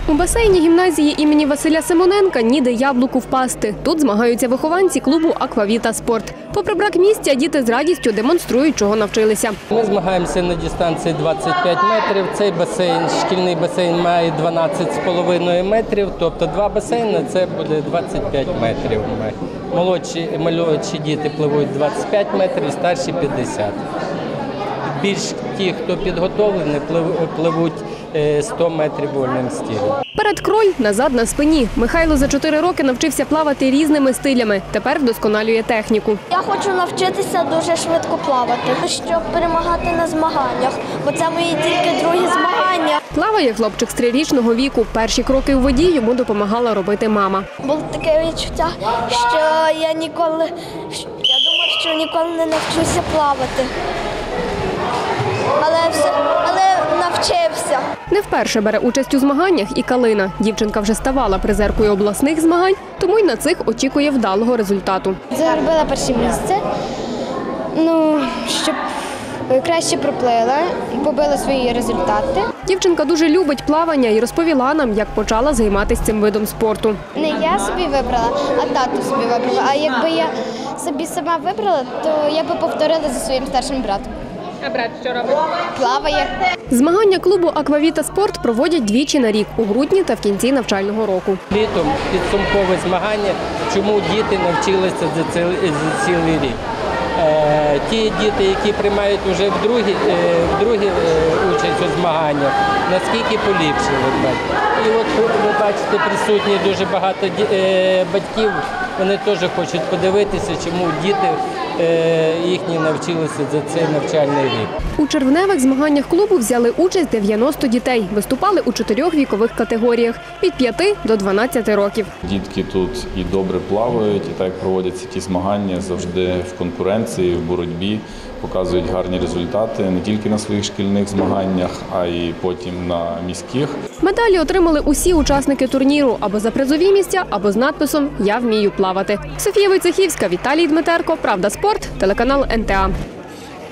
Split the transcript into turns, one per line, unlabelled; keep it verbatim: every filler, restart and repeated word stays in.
У басейні гімназії імені Василя Симоненка ніде яблуку впасти. Тут змагаються вихованці клубу «Аквавіта Спорт». Попри брак місця, діти з радістю демонструють, чого навчилися.
Ми змагаємося на дистанції двадцять п'ять метрів. Цей басейн, шкільний басейн, має дванадцять з половиною метрів, тобто два басейни – це буде двадцять п'ять метрів. Молодші, молодші діти пливуть двадцять п'ять метрів, старші – п'ятдесят. Більш ті, хто підготовлений, пливуть сто метрів вольним стилем.
Перед кроль, назад на спині. Михайло за чотири роки навчився плавати різними стилями. Тепер вдосконалює техніку.
Я хочу навчитися дуже швидко плавати, щоб перемагати на змаганнях, бо це мої тільки другі змагання.
Плаває хлопчик з трирічного віку. Перші кроки у воді йому допомагала робити мама.
Було таке відчуття, що я ніколи, я думала, що ніколи не навчуся плавати. Але, все, але навчився.
Не вперше бере участь у змаганнях і Калина. Дівчинка вже ставала призеркою обласних змагань, тому й на цих очікує вдалого результату.
Заробила перше місце, ну, щоб краще проплила, побила свої результати.
Дівчинка дуже любить плавання і розповіла нам, як почала займатися цим видом спорту.
Не я собі вибрала, а тато собі вибрала. А якби я собі сама вибрала, то я би повторила за своїм старшим братом.
А брат що робить?
Плаває.
Змагання клубу «Аквавіта Спорт» проводять двічі на рік – у грудні та в кінці навчального року.
Літом підсумкове змагання, чому діти навчилися за цілий рік. Ті діти, які приймають вже вдруге, вдруге участь у змаганнях, наскільки поліпшили. І от ви бачите, присутні дуже багато батьків, вони теж хочуть подивитися, чому діти їхні навчилися за цей навчальний рік.
У червневих змаганнях клубу взяли участь дев'яносто дітей. Виступали у чотирьох вікових категоріях – від п'яти до дванадцяти років.
Дітки тут і добре плавають, і так як проводяться ті змагання, завжди в конкуренції, в боротьбі, показують гарні результати не тільки на своїх шкільних змаганнях, а й потім на міських.
Медалі отримали усі учасники турніру або за призові місця, або з надписом «Я вмію плавати». Софія Войцехівська, Віталій Дмитерко, «Правда спорт», телеканал ен те а.